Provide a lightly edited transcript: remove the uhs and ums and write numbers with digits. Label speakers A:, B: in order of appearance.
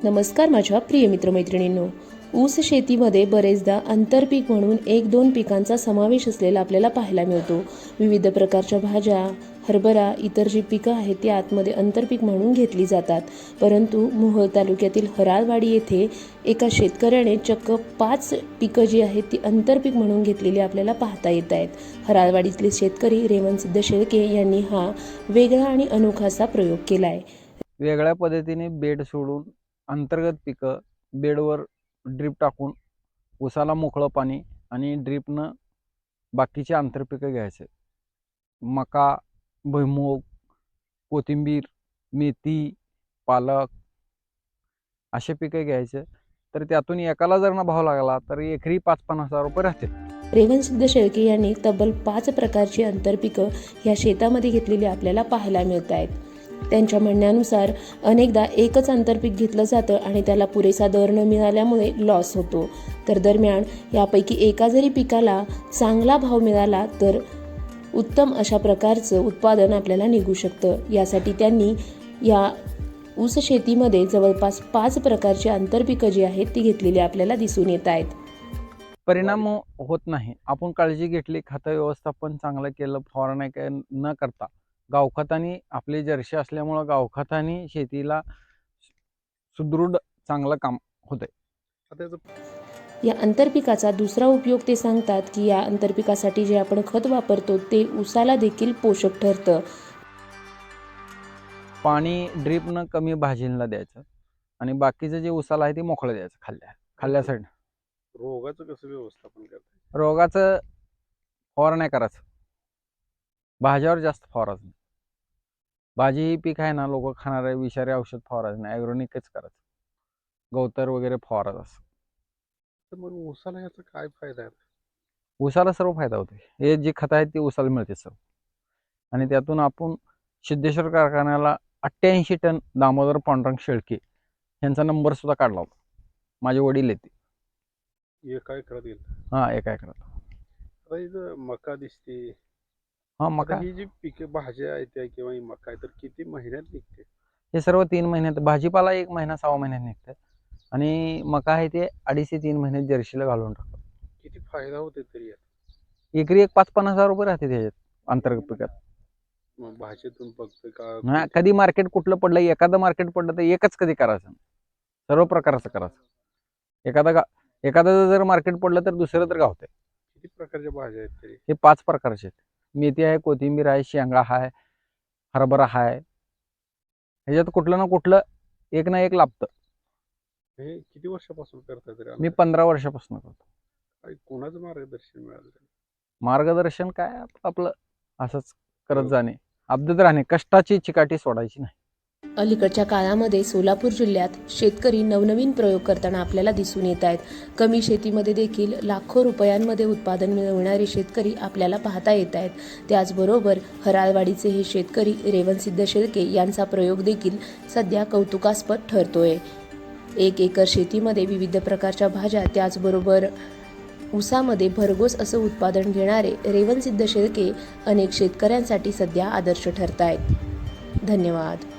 A: नमस्कार माझ्या प्रिय मित्रमैत्रिणींनो. ऊस शेतीमध्ये बरेचदा आंतरपीक म्हणून 1-2 पिकांचा समावेश असलेला आपल्याला पाहायला मिळतो. विविध प्रकारच्या भाज्या, हरभरा, इतर जी पिकं आहेत ती आतमध्ये आंतरपीक म्हणून घेतली जातात. परंतु मोहोळ तालुक्यातील हराळवाडी येथे एका शेतकऱ्याने चक्क 5 पिकं जी आहेत ती आंतरपीक म्हणून घेतलेली आपल्याला पाहता येत आहेत. हराळवाडीतले शेतकरी रेवणसिद्ध शेळके यांनी हा वेगळा आणि अनोखा असा प्रयोग केला आहे.
B: वेगळ्या पद्धतीने बेड सोडून अंतर्गत पिकं बेडवर ड्रीप टाकून ऊसाला मोकळं पाणी आणि ड्रीपनं बाकीचे आंतरपिकं घ्यायचे. मका, भुईमूग, कोथिंबीर, मेथी, पालक असे पिकं घ्यायचे. तर त्यातून एकाला जर ना भाव लागला तर एकरी 5-50 हजार रुपये राहते.
A: रेवणसिद्ध शेळके यांनी तब्बल 5 प्रकारची आंतरपिकं ह्या शेतामध्ये घेतलेली आपल्याला पाहायला मिळत आहेत. त्यांच्या म्हणण्यानुसार अनेकदा एकच आंतरपीक घेतलं जातं आणि त्याला पुरेसा दर न मिळाल्यामुळे लॉस होतो. तर दरम्यान यापैकी एका जरी पिकाला चांगला भाव मिळाला तर उत्तम अशा प्रकारचं उत्पादन आपल्याला निघू शकतं. यासाठी त्यांनी या ऊस शेतीमध्ये जवळपास 5 प्रकारची आंतरपिकं जी आहेत ती घेतलेली आपल्याला दिसून येत आहेत.
B: परिणाम होत नाही. आपण काळजी घेतली, खतं व्यवस्थापन चांगलं केलं, फवारण्या न करता गावखताने आपली जर्शी असल्यामुळं गावखताने शेतीला सुदृढ चांगलं काम होतंय.
A: या आंतरपिकाचा दुसरा उपयोग ते सांगतात की या आंतरपिकासाठी जे आपण खत वापरतो ते ऊसाला देखील पोषक ठरतं.
B: पाणी ड्रीपनं कमी भाजीला द्यायचं आणि बाकीचं जे ऊसाला आहे ते मोकळं द्यायचं खाल्ल्या साईड.
C: रोगाचं कसं व्यवस्थापन करताय?
B: रोगाचं फवारण्या करायचं, भाज्यावर जास्त फवारायचं नाही. भाजी ही पीक आहे ना, लोक खाणारे विषारी औषध फवारायचं नाही, ॲग्रोनिकच करायचं. गवतर वगैरे फवारायचं असं.
C: तर मग ऊसाला याचा काय फायदा आहे?
B: ऊसाला सर्व फायदा होतो. हे जे खत आहेत ते ऊसाला मिळते सर्व. आणि त्यातून आपण सिद्धेश्वर कारखान्याला 88 टन दामोदर पांडुरंग शेळके यांचा नंबर सुद्धा काढला होता. माझे वडील येते.
C: एका एकरात येईल?
B: हा, एका एकरात.
C: आता इथं मका दिसते.
B: हा,
C: आता
B: मका
C: ही जी पिके भाज्या आहेत त्या किंवा ही मका आहे तर किती महिन्यात निघते?
B: हे सर्व 3 महिन्यात. भाजीपाला 1 महिना 6 महिन्यात निघतात आणि मका आहे ते 2.5 ते 3 महिन्यात जर्शीला घालून टाकतात.
C: किती फायदा होते तरी यात?
B: एकरी 5-50 हजार रुपये राहते त्याच्यात अंतर्गत पिकात.
C: मग भाजीतून फक्त का
B: हा, कधी मार्केट कुठलं पडलं, एखादं मार्केट पडलं तर एकच कधी करायचं, सर्व प्रकारचं करायचं. एखादं जर मार्केट पडलं तर दुसरं तर गावतंय.
C: किती प्रकारच्या भाज्या आहेत तरी?
B: हे 5 प्रकारचे आहेत. मेथी आहे, कोथिंबीर आहे, शेंगा आहे, हरभरा आहे. ह्याच्यात कुठलं ना कुठलं एक ना एक लाभतं.
C: हे किती वर्षापासून करताय तरी?
B: मी 15 वर्षापासून करतो.
C: काय कोणाचं मार्गदर्शन मिळालं?
B: मार्गदर्शन काय आपलं असंच करत जाणे, अब्दत राहणे, कष्टाची चिकाटी सोडायची नाही.
A: अलीकडच्या काळामध्ये सोलापूर जिल्ह्यात शेतकरी नवनवीन प्रयोग करताना आपल्याला दिसून येत आहेत. कमी शेतीमध्ये देखील लाखो रुपयांमध्ये उत्पादन मिळवणारे शेतकरी आपल्याला पाहता येत आहेत. त्याचबरोबर हराळवाडीचे हे शेतकरी रेवणसिद्ध शेळके यांचा प्रयोग देखील सध्या कौतुकास्पद ठरतोय. 1 एकर शेतीमध्ये विविध प्रकारच्या भाज्या त्याचबरोबर ऊसामध्ये भरघोस असं उत्पादन घेणारे रेवणसिद्ध शेळके अनेक शेतकऱ्यांसाठी सध्या आदर्श ठरत आहेत. धन्यवाद.